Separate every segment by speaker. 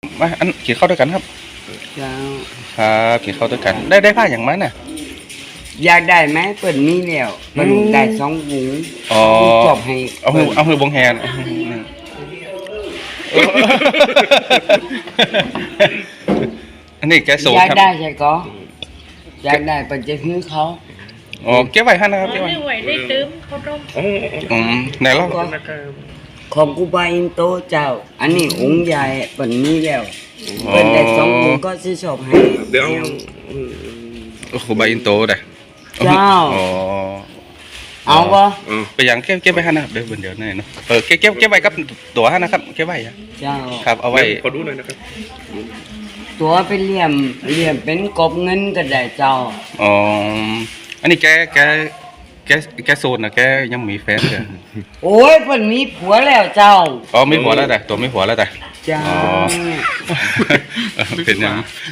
Speaker 1: มาอันกินข้าวด้วยกันครับ
Speaker 2: เจ้า
Speaker 1: ครับกินข้าวด้วยกันได้ผ้าอย่างมันน่ะ
Speaker 2: อยากได้ไหมเปิดมีแล้วเปิดได้2 หุง
Speaker 1: อ๋อ
Speaker 2: จบให้
Speaker 1: เอามือบงแฮนอันนี้แกโซ
Speaker 2: อยาก
Speaker 1: ครับ
Speaker 2: ได้ใช่ก็อยากได้เปิดจะซื้อเขา
Speaker 1: อ๋อเก็บไว้ให้นะครับเก็บไว้
Speaker 3: ไม่ไหวได้ตื้มเขาต้ม
Speaker 1: ไหนเล่า
Speaker 2: ของกูบาอินโตเจ้า อันนี้องค์ใหญ่เปิดมีแล้วเปิดได้2 หุงก็ซื้อจบให้
Speaker 4: เดี๋ยว
Speaker 1: โอ้โหใบอินโตได้
Speaker 2: เจ้า
Speaker 1: อ๋อ
Speaker 2: เอาก็
Speaker 1: ไปอย่างเก็บไว้ให้นะครับเดี๋ยวนี่เนาะเก็บไว้กับตัวให้นะครับเก็บไว้อะ
Speaker 2: เจ้า
Speaker 1: ครับเอาไว้
Speaker 4: ขอดูหน่อยนะครับ
Speaker 2: ตัวเป็นเหลี่ยมเป็นกบเงินก็ได้เจ้า
Speaker 1: อ๋ออันนี้แกโซนนะแกยังมีแฟนเลย
Speaker 2: โอ้ยเปิดมีผัวแล้วเจ้า
Speaker 1: อ๋อมีผัวแล้วแต่ตัวมีผัวแล้วแต่
Speaker 2: เจ้า
Speaker 1: อ๋อเป็นยัง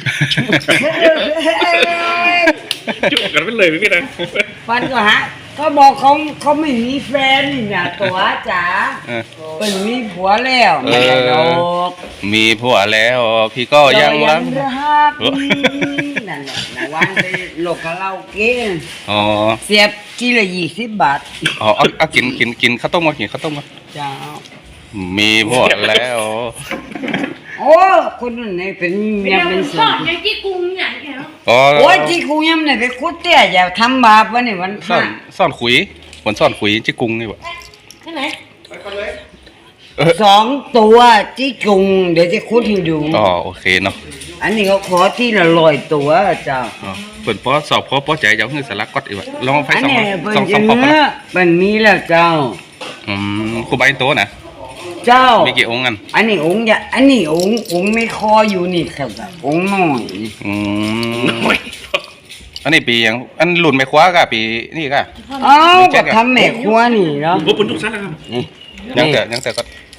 Speaker 4: จุกกันไปเลยพี่นะ
Speaker 2: ฟันก็ฮะเขาบอกเขาไม่มีแฟนนี่นะตัวจ๋าเป็นมีผัวแล้วไม่ได้ดอก
Speaker 1: มีผัวแล้วพี่ก็ยังรัก
Speaker 2: รักนั่นแหละนะวันไปโลกคาราโอเกะ
Speaker 1: อ๋อ
Speaker 2: เสียบกิโล20 บาท
Speaker 1: อ๋อเอากินข้าวต้มมากินข้าวต้มมา
Speaker 2: เจ้า
Speaker 1: มีผัวแล้ว
Speaker 2: โอ้คนนั้นไหนเป็น
Speaker 3: เดี๋
Speaker 2: ยั
Speaker 3: ย
Speaker 2: ง
Speaker 3: ว
Speaker 2: เป็น
Speaker 3: ส
Speaker 2: สา
Speaker 3: อ
Speaker 2: ว
Speaker 3: นอย่างที่กรุงอย่างเงี้ย
Speaker 1: อ๋อ
Speaker 2: โอ้ยที่กูยังไหนไปคุดเตี้ยอย่าทำบาปวะนี่วันพ
Speaker 1: ซ่อ
Speaker 2: ระ
Speaker 1: นซ่อนขุยผลซ่อนขุยจิกุงนี่บ่
Speaker 3: ที่ไหน
Speaker 2: 2 ตัวที่จุงเดี๋ยวจะคุดให้ดู
Speaker 1: อ๋อโอเคเนาะ
Speaker 2: อันนี้เขาขอที่ละ100 ตัวเจ้า
Speaker 1: อ๋อเปิดพอสอบพอปอใจจะเอาเงินสลักก๊อตอีกว่ะลองไฟ
Speaker 2: อัน
Speaker 1: สอง
Speaker 2: นี้เป็น
Speaker 1: สอง
Speaker 2: จะ
Speaker 1: พอ
Speaker 2: เนื้อเป็นมีแล้วเจ้า
Speaker 1: ครูใบโตนะ
Speaker 2: เจ้า
Speaker 1: มีกี่องค์กัน
Speaker 2: อันนี้องค์อย่าอันนี้องค์ไม่คออยู่นี่ครับองค์น้อยนี่
Speaker 1: อันนี้ปียังอันหลุนไม่คว้ากะปีนี่กะ
Speaker 2: เอ้าก็ทำแม่ครัวนี่เนาะ
Speaker 4: โอ้ปุ่นทุกชั้นนะครับ
Speaker 2: นี่
Speaker 1: ยังแต่ก็